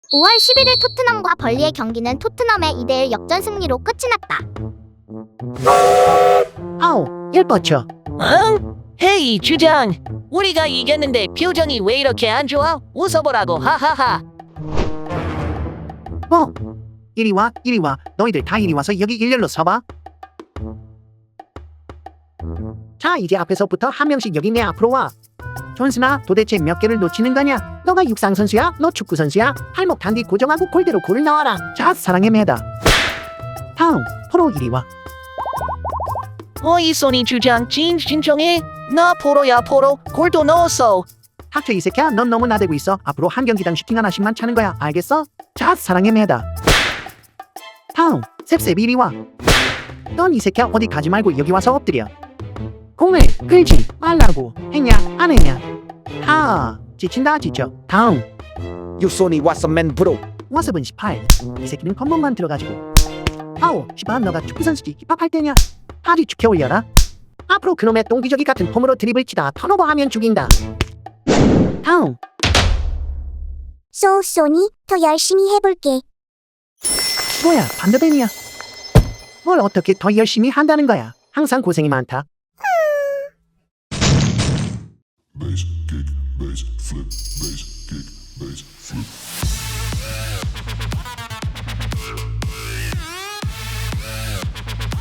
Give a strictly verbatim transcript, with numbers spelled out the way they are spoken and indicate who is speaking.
Speaker 1: 오월 십일일 토트넘과 벌리의 경기는 토트넘의 이 대 일 역전 승리로 끝이 났다.
Speaker 2: 아우, 예뻐쳐.
Speaker 3: 응? 헤이 주장, 우리가 이겼는데 표정이 왜 이렇게 안 좋아? 웃어보라고. 하하하.
Speaker 2: 뭐? 이리 와, 이리 와. 너희들 다 이리 와서 여기 일렬로 서봐. 자, 이제 앞에서부터 한 명씩 여기 내 앞으로 와. 존슨아, 도대체 몇 개를 놓치는 거냐? 너가 육상 선수야? 너 축구 선수야? 팔목 단디 고정하고 골대로 골을 넣어라. 자, 사랑의 매다. 다음, 프로 이리 와.
Speaker 3: 어이 소니 주장, 진 진정해. 나 포로야 포로. 골도 넣었어.
Speaker 2: 닥쳐 이 새끼야, 넌 너무 나대고 있어. 앞으로 한 경기당 슈팅 하나씩만 차는 거야. 알겠어? 자, 사랑의 매다. 다음, 셉셉 이리 와. 넌 이 새끼야 어디 가지 말고 여기 와서 엎드려. 공을 끌지 말라고. 했냐 안 했냐? 하, 지친다 지쳐. 다음,
Speaker 4: 유소니 왓슨맨 브로.
Speaker 2: 와습은 십팔. 이 새끼는 컴번만 들어가지고. 아우, 시바 너가 축구 선수지 힙합할 때냐? 팔이 축혀 올려라. 앞으로 그놈의 똥기저귀 같은 폼으로 드립을 치다 턴오버하면 죽인다. 다음,
Speaker 5: 쏘, 소니, 더 열심히 해볼게.
Speaker 2: 뭐야 반대뱀이야. 뭘 어떻게 더 열심히 한다는 거야. 항상 고생이 많다.
Speaker 6: bass, kick, bass, flip, bass, kick, bass, flip.